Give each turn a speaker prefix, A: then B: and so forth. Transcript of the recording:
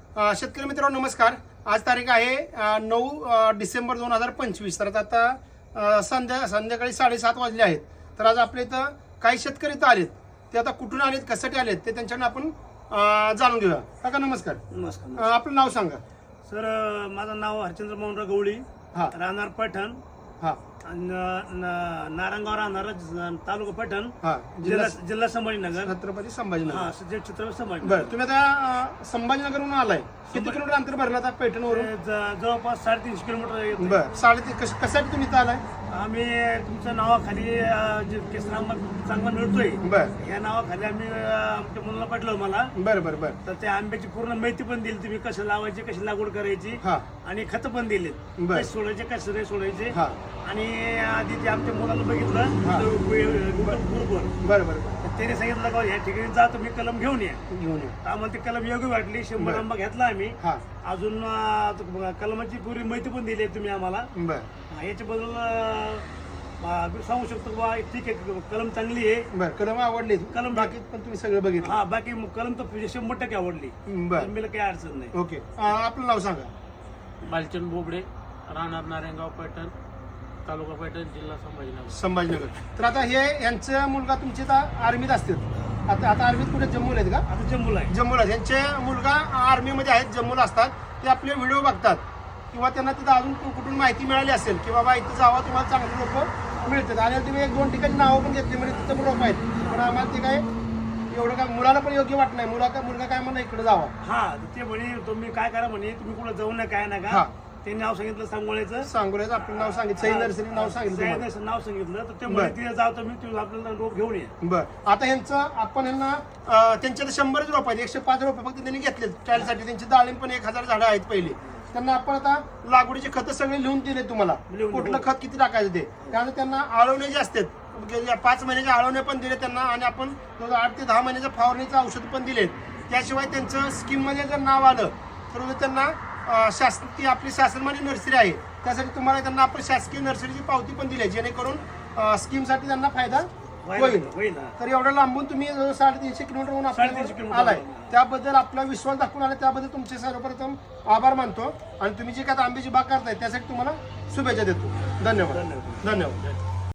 A: शेतकरी मित्रांनो नमस्कार. आज तारीख आहे 9 डिसेंबर 2025. तर आता संध्याकाळी 7:30 वाजले आहेत. तर आज आपल्या इथं काही शेतकरी इथं आलेत. ते आता कुठून आलेत, कशासाठी आलेत ते त्यांच्याकडून आपण जाणून घेऊया. काका नमस्कार.
B: नमस्कार.
A: आपलं नाव सांगा.
B: सर माझं नाव हरचंद्र मोहनराव गवळी,
A: हा
B: राहणार पैठण,
A: हा
B: नारायणगाव राहणार, तालुका पैठण,
A: हा
B: जिल्हा संभाजीनगर,
A: छत्रपती संभाजीनगर.
B: हा छत्रपती संभाजीनगर.
A: बरं, तुम्ही आता संभाजीनगरहून आलाय. किती किलोमीटर अंतर भरलं आता पैठणवरून?
B: जवळपास 350 किलोमीटर येतं.
A: बरं, 3.5 कशासाठी तुम्ही इथं आलाय?
B: आम्ही तुमच्या नावाखाली जे केसर आंबा चांगला मिळतोय,
A: बरं
B: या नावाखाली आम्ही आमच्या मुलाला पाठवलं मला.
A: बरं बरं बरं.
B: तर त्या आंब्याची पूर्ण माहिती पण दिली, तुम्ही कसं लावायची, कशी लागवड करायची,
A: हा
B: आणि खत पण दिले,
A: बरं.
B: कसे सोडायचे, कसे नाही सोडायचे.
A: हा
B: आणि आधी ते आमच्या मुलाला बघितलं
A: हा.
B: ग्रुपवर,
A: बरं बरं
B: त्याने सांगितलं का ह्या ठिकाणी जा, तुम्ही कलम घेऊन या.
A: घेऊन या.
B: तर आम्हाला ती कलम योग्य वाटली. 100
A: बरं.
B: आंबा घेतला आम्ही.
A: हा
B: अजून कलमाची पूर्ण माहिती पण दिली तुम्ही आम्हाला.
A: बरं
B: याच्याबद्दल मी सांगू शकतो बा, ठीक आहे, कलम चांगली आहे.
A: बरं. कलम आवडली
B: कलम
A: बाकी पण तुम्ही सगळं बघितलं.
B: हा, बाकी कलम तर 100% आवडली.
A: बरं
B: कलमीला काही अडचण नाही.
A: ओके. आपलं नाव सांगा.
C: बालचंद बोबडे, राहणार नारायणगाव पैठण, तालुका पैठण, जिल्हा संभाजीनगर.
A: संभाजीनगर. तर आता हे यांचा मुलगा तुमचे आता आर्मीत असतात. आता आर्मीत कुठे जम्मूला आहेत का?
B: आता जम्मूला आहे.
A: जम्मूला आहेत. यांचे मुलगा आर्मीमध्ये आहेत, जम्मूला असतात. ते आपले व्हिडिओ बघतात किंवा त्यांना तिथं अजून कुठून माहिती मिळाली असेल की बाबा इथं जावा, तुम्हाला चांगले लोक मिळतात. आणि तुम्ही 1-2 ठिकाणी नावं पण घेतली, म्हणजे तिथं लोक आहेत. पण आम्हाला ते काय एवढं काय मुलाला पण योग्य वाटत नाही. मुलगा काय म्हणा इकडे जावा.
B: हा, ते म्हणे तुम्ही काय करा म्हणे, तुम्ही कुठं जाऊ नका, काय
A: हा.
B: नका. त्यांनी नाव सांगितलं सांगोळ्याचं.
A: सांगोल्याचं आपलं नाव सांगितलं, सई नर्सरी नाव सांगितलं तुम्हाला.
B: सह्याद्रीचं नाव सांगितलं. तर ते
A: बरं.
B: म्हणे तिथे जाऊ तुम्ही, तुम्ही आपल्याला रोप घेऊन या.
A: बरं. आता ह्यांचं आपण ह्यांना त्यांच्या 100 रोप आहेत, 105 रोप फक्त त्यांनी घेतले ट्रायलसाठी. त्यांची डाळिंब पण 1000 झाडं आहेत पहिली. त्यांना आपण आता लागवडीचे खतं सगळे लिहून दिले तुम्हाला,
B: लिहून
A: कुठलं खत किती टाकायचं ते. त्यानंतर त्यांना आळवणे जे असतात, 5 महिन्याचे आळवणे पण दिले त्यांना. आणि आपण 8 ते 10 महिन्याचं फवारणीचं औषध पण दिले. त्याशिवाय त्यांचं स्कीममध्ये जर नाव आलं तर त्यांना ती आपली शासनमान्य नर्सरी आहे, त्यासाठी तुम्हाला त्यांना आपण शासकीय नर्सरीची पावती पण दिली आहे, जेणेकरून स्कीमसाठी त्यांना फायदा होईल. तर एवढं लांबून तुम्ही 350 किलोमीटरहून
B: 350 किलोमीटर
A: आलाय, त्याबद्दल आपला विश्वास दाखवून आला, त्याबद्दल तुमचे सर्वप्रथम आभार मानतो. आणि तुम्ही जे काय आंब्याची बाग करताय त्यासाठी तुम्हाला शुभेच्छा देतो. धन्यवाद.
B: धन्यवाद.
A: धन्यवाद.